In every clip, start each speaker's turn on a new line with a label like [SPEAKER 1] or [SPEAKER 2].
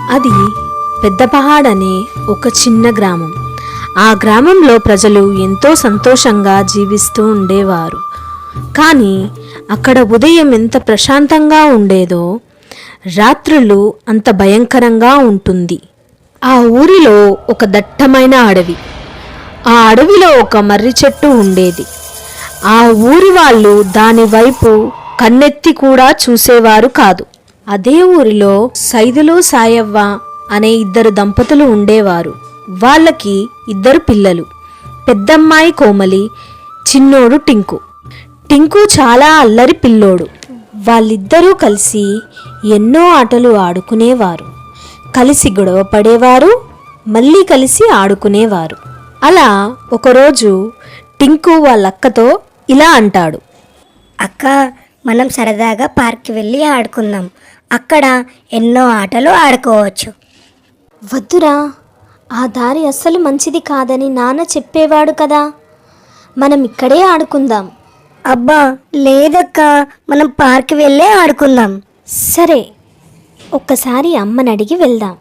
[SPEAKER 1] అది పెద్దపహాడ్ అనే ఒక చిన్న గ్రామం. ఆ గ్రామంలో ప్రజలు ఎంతో సంతోషంగా జీవిస్తూ ఉండేవారు. కానీ అక్కడ ఉదయం ఎంత ప్రశాంతంగా ఉండేదో రాత్రులు అంత భయంకరంగా ఉంటుంది. ఆ ఊరిలో ఒక దట్టమైన అడవి. ఆ అడవిలో ఒక మర్రి చెట్టు ఉండేది. ఆ ఊరి వాళ్ళు దాని వైపు కన్నెత్తి కూడా చూసేవారు కాదు. అదే ఊరిలో సైదులు సాయవ్వ అనే ఇద్దరు దంపతులు ఉండేవారు. వాళ్ళకి ఇద్దరు పిల్లలు, పెద్దమ్మాయి కోమలి, చిన్నోడు టింకు. టింకు చాలా అల్లరి పిల్లోడు. వాళ్ళిద్దరూ కలిసి ఎన్నో ఆటలు ఆడుకునేవారు. కలిసి గొడవ పడేవారు, మళ్ళీ కలిసి ఆడుకునేవారు. అలా ఒకరోజు టింకు వాళ్ళక్కతో ఇలా అంటాడు.
[SPEAKER 2] అక్క, మనం సరదాగా పార్క్కి వెళ్ళి ఆడుకుందాం. అక్కడ ఎన్నో ఆటలు ఆడుకోవచ్చు.
[SPEAKER 3] వద్దురా, ఆ దారి అస్సలు మంచిది కాదని నాన్న చెప్పేవాడు కదా. మనం ఇక్కడే ఆడుకుందాం.
[SPEAKER 2] అబ్బా లేదక్క, మనం పార్క్కి వెళ్ళే ఆడుకుందాం.
[SPEAKER 3] సరే, ఒక్కసారి అమ్మని అడిగి వెళ్దాం.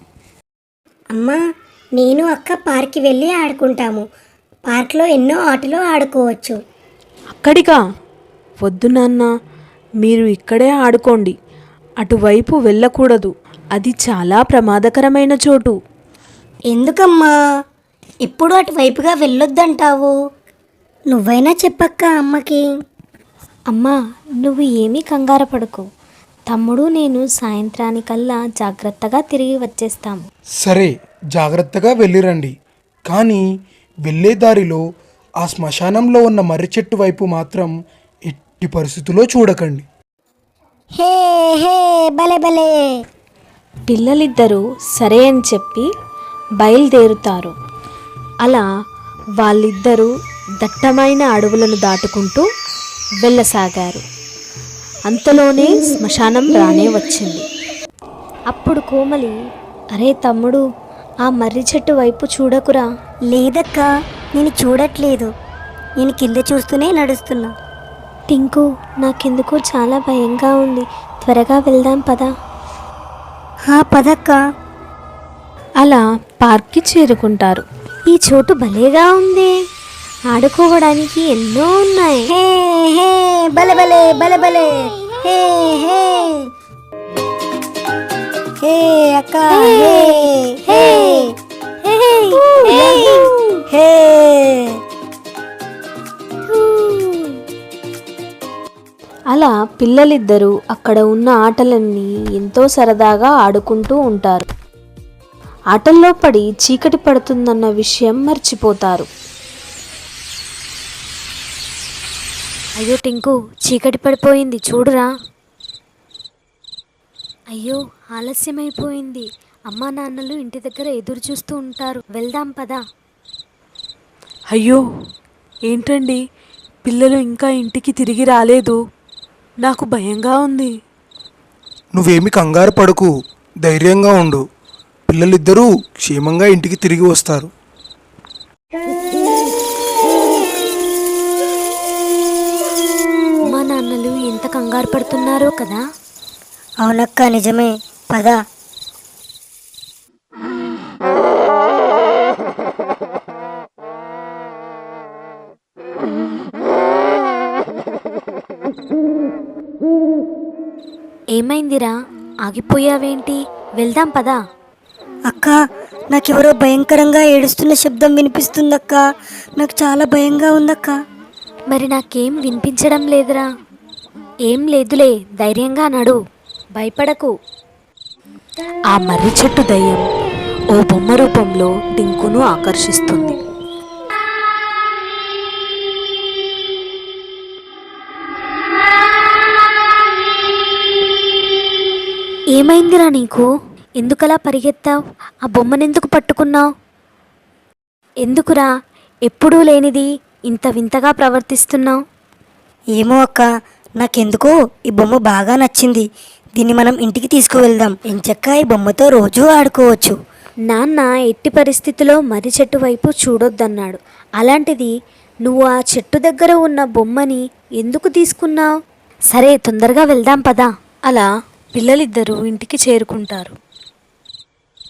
[SPEAKER 2] అమ్మా, నేను అక్క పార్క్కి వెళ్ళి ఆడుకుంటాము. పార్క్లో ఎన్నో ఆటలు ఆడుకోవచ్చు.
[SPEAKER 1] అక్కడిగా? వద్దు నాన్న, మీరు ఇక్కడే ఆడుకోండి. అటువైపు వెళ్ళకూడదు, అది చాలా ప్రమాదకరమైన చోటు.
[SPEAKER 2] ఎందుకమ్మా ఎప్పుడు అటువైపుగా వెళ్ళొద్దంటావు? నువ్వైనా చెప్పక్క అమ్మకి.
[SPEAKER 3] అమ్మా, నువ్వు ఏమీ కంగారు పడకు. తమ్ముడు నేను సాయంత్రానికల్లా జాగ్రత్తగా తిరిగి వచ్చేస్తాము.
[SPEAKER 4] సరే, జాగ్రత్తగా వెళ్ళిరండి. కానీ వెళ్ళే దారిలో ఆ శ్మశానంలో ఉన్న మర్రి చెట్టు వైపు మాత్రం ఎట్టి పరిస్థితుల్లో చూడకండి.
[SPEAKER 2] హే హే, భలే భలే.
[SPEAKER 3] పిల్లలిద్దరూ సరే అని చెప్పి బయలుదేరుతారు. అలా వాళ్ళిద్దరూ దట్టమైన అడవులను దాటుకుంటూ వెళ్ళసాగారు. అంతలోనే శ్మశానం రానే వచ్చింది. అప్పుడు కోమలి, అరే తమ్ముడు, ఆ మర్రి చెట్టు వైపు చూడకురా.
[SPEAKER 2] లేదక్క, నేను చూడట్లేదు. నేను కింద చూస్తూనే నడుస్తున్నా.
[SPEAKER 3] టింకు, నాకెందుకో చాలా భయంగా ఉంది. త్వరగా వెళ్దాం పదా.
[SPEAKER 2] పదక్క.
[SPEAKER 1] అలా పార్క్కి చేరుకుంటారు.
[SPEAKER 3] ఈ చోటు భలేగా ఉంది. ఆడుకోవడానికి ఎన్నో ఉన్నాయి.
[SPEAKER 2] హే హే, భలే భలే భలే భలే. హే హే హే అక్క. హే హే హే.
[SPEAKER 1] అలా పిల్లలిద్దరూ అక్కడ ఉన్న ఆటలన్నీ ఎంతో సరదాగా ఆడుకుంటూ ఉంటారు. ఆటల్లో పడి చీకటి పడుతుందన్న విషయం మర్చిపోతారు.
[SPEAKER 3] అయ్యో టింకు, చీకటి పడిపోయింది చూడురా. అయ్యో, ఆలస్యమైపోయింది. అమ్మా నాన్నలు ఇంటి దగ్గర ఎదురు చూస్తూ ఉంటారు. వెళ్దాం పదా.
[SPEAKER 1] అయ్యో, ఏంటండి, పిల్లలు ఇంకా ఇంటికి తిరిగి రాలేదు. నాకు భయంగా ఉంది.
[SPEAKER 4] నువ్వేమి కంగారు పడకు, ధైర్యంగా ఉండు. పిల్లలిద్దరూ క్షేమంగా ఇంటికి తిరిగి వస్తారు.
[SPEAKER 3] అమ్మా నాన్నలు ఎంత కంగారు పడుతున్నారో కదా.
[SPEAKER 2] అవునక్క, నిజమే. పద.
[SPEAKER 3] ఏమైందిరా, ఆగిపోయావేంటి? వెళ్దాం పదా.
[SPEAKER 2] అక్క, నాకెవరో భయంకరంగా ఏడుస్తున్న శబ్దం వినిపిస్తుందక్క. నాకు చాలా భయంగా ఉందక్క.
[SPEAKER 3] మరి నాకేం వినిపించడం లేదురా. ఏం లేదులే, ధైర్యంగా నడు, భయపడకు.
[SPEAKER 1] ఆ మర్రి చెట్టు దయ్యం ఓ బొమ్మ రూపంలో టింకును ఆకర్షిస్తుంది.
[SPEAKER 3] ఏమైందిరా నీకు? ఎందుకలా పరిగెత్తావు? ఆ బొమ్మనెందుకు పట్టుకున్నావు? ఎందుకురా ఎప్పుడూ లేనిది ఇంత వింతగా ప్రవర్తిస్తున్నావు?
[SPEAKER 2] ఏమో అక్క, నాకెందుకో ఈ బొమ్మ బాగా నచ్చింది. దీన్ని మనం ఇంటికి తీసుకువెళ్దాం. ఎంచక్కా ఈ బొమ్మతో రోజూ ఆడుకోవచ్చు.
[SPEAKER 3] నాన్న ఎట్టి పరిస్థితిలో మర్రి చెట్టు వైపు చూడొద్దన్నాడు. అలాంటిది నువ్వు ఆ చెట్టు దగ్గర ఉన్న బొమ్మని ఎందుకు తీసుకున్నావు? సరే, తొందరగా వెళ్దాం పదా.
[SPEAKER 1] అలా పిల్లలిద్దరూ ఇంటికి చేరుకుంటారు.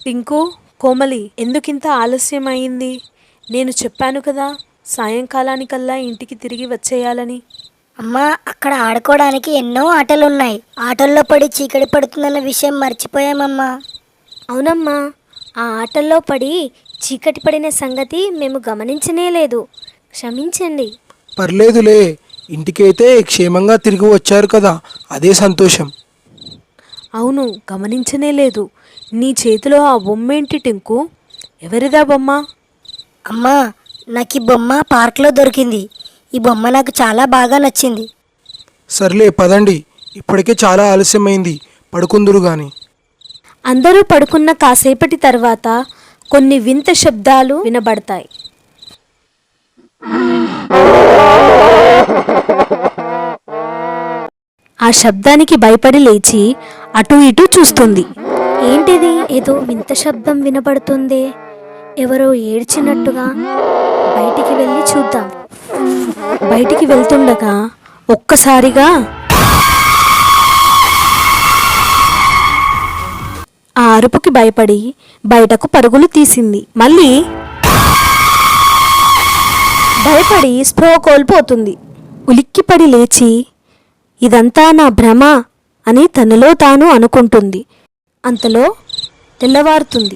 [SPEAKER 1] టింకు, కోమలి, ఎందుకింత ఆలస్యం అయింది? నేను చెప్పాను కదా సాయంకాలానికల్లా ఇంటికి తిరిగి వచ్చేయాలని.
[SPEAKER 2] అమ్మా, అక్కడ ఆడుకోవడానికి ఎన్నో ఆటలున్నాయి. ఆటల్లో పడి చీకటి పడుతుందన్న విషయం మర్చిపోయామమ్మా.
[SPEAKER 3] అవునమ్మా, ఆ ఆటల్లో పడి చీకటి పడిన సంగతి మేము గమనించనే లేదు. క్షమించండి.
[SPEAKER 4] పర్లేదులే, ఇంటికైతే క్షేమంగా తిరిగి వచ్చారు కదా, అదే సంతోషం.
[SPEAKER 1] అవును, గమనించనే లేదు. నీ చేతిలో ఆ బొమ్మేంటి టింకు? ఎవరిదా బొమ్మ?
[SPEAKER 2] అమ్మా, నాకు ఈ బొమ్మ పార్క్లో దొరికింది. ఈ బొమ్మ నాకు చాలా బాగా నచ్చింది.
[SPEAKER 4] సర్లే పదండి, ఇప్పటికే చాలా ఆలస్యమైంది, పడుకుందురు గాని.
[SPEAKER 3] అందరూ పడుకున్న కాసేపటి తర్వాత కొన్ని వింత శబ్దాలు వినబడతాయి.
[SPEAKER 1] ఆ శబ్దానికి భయపడి లేచి అటు ఇటు చూస్తుంది.
[SPEAKER 3] ఏంటిది? ఏదో వింత శబ్దం వినబడుతుంది. ఎవరో ఏడ్చినట్టుగా. బయటికి వెళ్ళి చూద్దాం.
[SPEAKER 1] బయటికి వెళ్తుండగా ఒక్కసారిగా ఆ అరుపుకి భయపడి బయటకు పరుగులు తీసింది. మళ్ళీ భయపడి స్పృహ కోల్పోతుంది. ఉలిక్కిపడి లేచి ఇదంతా నా భ్రమ అని తనలో తాను అనుకుంటుంది. అంతలో తెల్లవారుతుంది.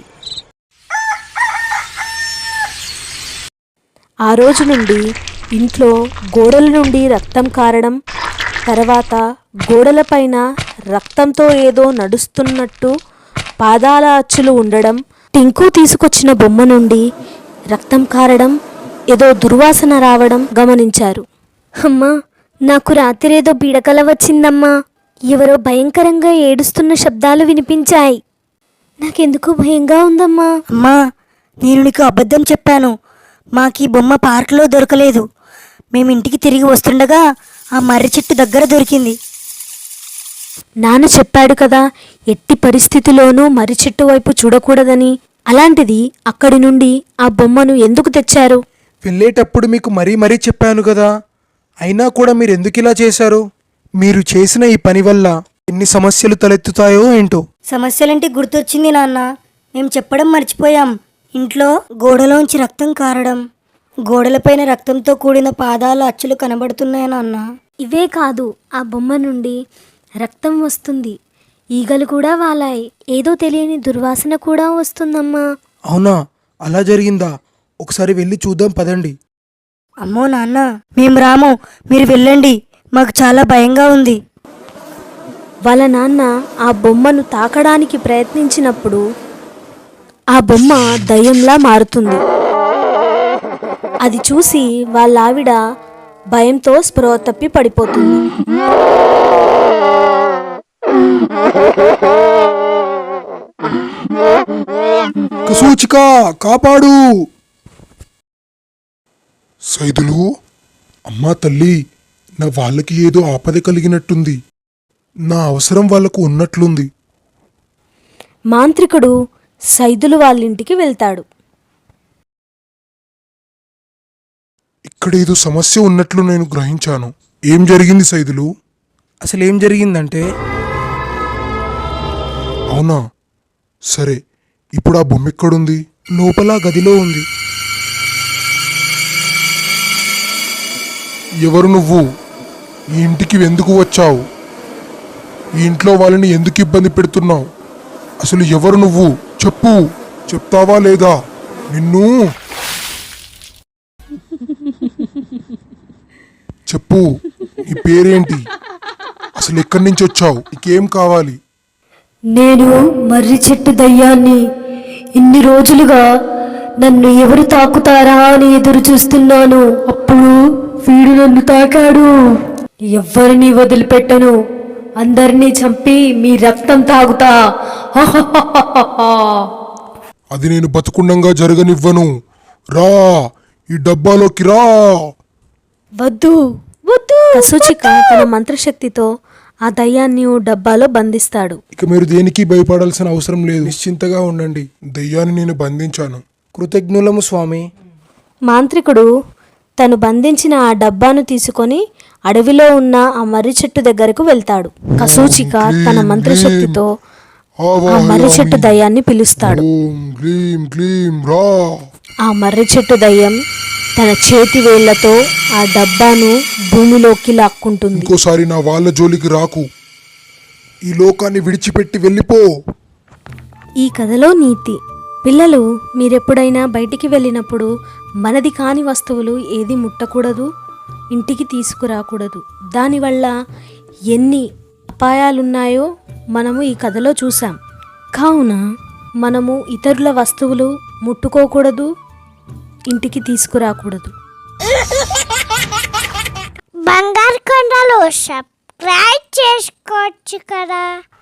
[SPEAKER 1] ఆ రోజు నుండి ఇంట్లో గోడల నుండి రక్తం కారడం, తర్వాత గోడలపైన రక్తంతో ఏదో నడుస్తున్నట్టు పాదాల అచ్చులు ఉండడం, టింకు తీసుకొచ్చిన బొమ్మ నుండి రక్తం కారడం, ఏదో దుర్వాసన రావడం గమనించారు.
[SPEAKER 3] అమ్మా, నాకు రాత్రేదో పీడకల వచ్చిందమ్మా. ఎవరో భయంకరంగా ఏడుస్తున్న శబ్దాలు వినిపించాయి. నాకెందుకు భయంగా ఉందమ్మా.
[SPEAKER 2] అమ్మా, నేను నీకు అబద్ధం చెప్పాను. మాకు ఈ బొమ్మ పార్క్లో దొరకలేదు. మేము ఇంటికి తిరిగి వస్తుండగా ఆ మర్రి చెట్టు దగ్గర దొరికింది.
[SPEAKER 1] నాన్న చెప్పాడు కదా ఎట్టి పరిస్థితిలోనూ మర్రి చెట్టు వైపు చూడకూడదని. అలాంటిది అక్కడి నుండి ఆ బొమ్మను ఎందుకు తెచ్చారు?
[SPEAKER 4] వెళ్ళేటప్పుడు మీకు మరీ మరీ చెప్పాను కదా, అయినా కూడా మీరు ఎందుకు ఇలా చేశారు? మీరు చేసిన ఈ పని వల్ల ఎన్ని సమస్యలు తలెత్తుతాయో ఏంటో.
[SPEAKER 2] సమస్యలంటే గుర్తొచ్చింది నాన్న. మేము చెప్పడం మర్చిపోయాం. ఇంట్లో గోడలోంచి రక్తం కారడం, గోడలపైన రక్తంతో కూడిన పాదాల అచ్చులు కనబడుతున్నాయి నాన్న.
[SPEAKER 3] ఇవే కాదు, ఆ బొమ్మ నుండి రక్తం వస్తుంది. ఈగలు కూడా వాలాయి. ఏదో తెలియని దుర్వాసన కూడా వస్తుందమ్మా.
[SPEAKER 4] అవునా, అలా జరిగిందా? ఒకసారి వెళ్ళి చూద్దాం పదండి.
[SPEAKER 2] అమ్మో నాన్న, మేము రాము, మీరు వెళ్ళండి, మాకు చాలా భయంగా ఉంది.
[SPEAKER 1] వాళ్ళ నాన్న ఆ బొమ్మను తాకడానికి ప్రయత్నించినప్పుడు ఆ బొమ్మ దయ్యంలా మారుతుంది. అది చూసి వాళ్ళ ఆవిడ భయంతో స్పృహ తప్పి పడిపోతుంది.
[SPEAKER 4] కసూచిక, కాపాడు! సైదులు, అమ్మా తల్లి, నా వాళ్ళకి ఏదో ఆపద కలిగినట్టుంది. నా అవసరం వాళ్ళకు ఉన్నట్లుంది.
[SPEAKER 1] మాంత్రికుడు సైదులు వాళ్ళింటికి వెళ్తాడు.
[SPEAKER 4] ఇక్కడేదో సమస్య ఉన్నట్లు నేను గ్రహించాను. ఏం జరిగింది సైదులు? అసలేం జరిగిందంటే? అవునా, సరే, ఇప్పుడు ఆ బొమ్మ ఎక్కడుంది? లోపల గదిలో ఉంది. ఎవరు నువ్వు? ఈ ఇంటికి ఎందుకు వచ్చావు? ఈ ఇంట్లో వాళ్ళని ఎందుకు ఇబ్బంది పెడుతున్నావు? అసలు ఎవరు నువ్వు? చెప్పు, చెప్తావా లేదా? నిన్ను చెప్పు, నీ పేరేంటి? అసలు ఎక్కడి నుంచి వచ్చావు? నీకేం కావాలి?
[SPEAKER 1] నేను మర్రి చెట్టు దయ్యాన్ని. ఇన్ని రోజులుగా నన్ను ఎవరు తాకుతారా అని ఎదురు చూస్తున్నాను. అప్పుడు వీడు నన్ను తాకాడు. ఎవ్వరిని వదిలిపెట్టను. అందరినీ చంపి మీ రక్తం తాగుతా.
[SPEAKER 4] అది నేను బతుకుండంగా జరగనివ్వను. రా, ఈ డబ్బాలోకి రా.
[SPEAKER 1] వద్దు వద్దు. కసూచిక తన మంత్రశక్తితో ఆ దయ్యాన్ని డబ్బాలో బంధిస్తాడు.
[SPEAKER 4] ఇక మీరు దేనికి భయపడాల్సిన అవసరం లేదు. నిశ్చింతగా ఉండండి. దయ్యాన్ని నేను బంధించాను. కృతజ్ఞులము స్వామి.
[SPEAKER 1] మాంత్రికుడు తను బంధించిన ఆ డబ్బాను తీసుకొని అడవిలో ఉన్న ఆ మర్రి చెట్టు దగ్గరకు వెళ్తాడు. కసూచిక తన మంత్రశక్తితో ఆ మర్రి చెట్టు దయ్యాన్ని పిలుస్తాడు.
[SPEAKER 4] ఓం గ్లీం గ్లీం రా.
[SPEAKER 1] ఆ మర్రి చెట్టు దయ్యం తన చేతి వేళ్లతో ఆ డబ్బాను భూమిలోకి లాక్కుంటుంది.
[SPEAKER 4] ఇంకోసారి నా వాళ్ళ జోలికి రాకు. ఈ లోకాన్ని విడిచిపెట్టి వెళ్ళిపో.
[SPEAKER 1] ఈ కథలో నీతి: పిల్లలు, మీరెప్పుడైనా బయటికి వెళ్ళినప్పుడు మనది కాని వస్తువులు ఏది ముట్టకూడదు, ఇంటికి తీసుకురాకూడదు. దానివల్ల ఎన్ని అపాయాలున్నాయో మనము ఈ కథలో చూసాం. కావున మనము ఇతరుల వస్తువులు ముట్టుకోకూడదు, ఇంటికి తీసుకురాకూడదు.
[SPEAKER 5] బంగారు కొండలు సబ్స్క్రైబ్ చేసుకోవచ్చు కదా.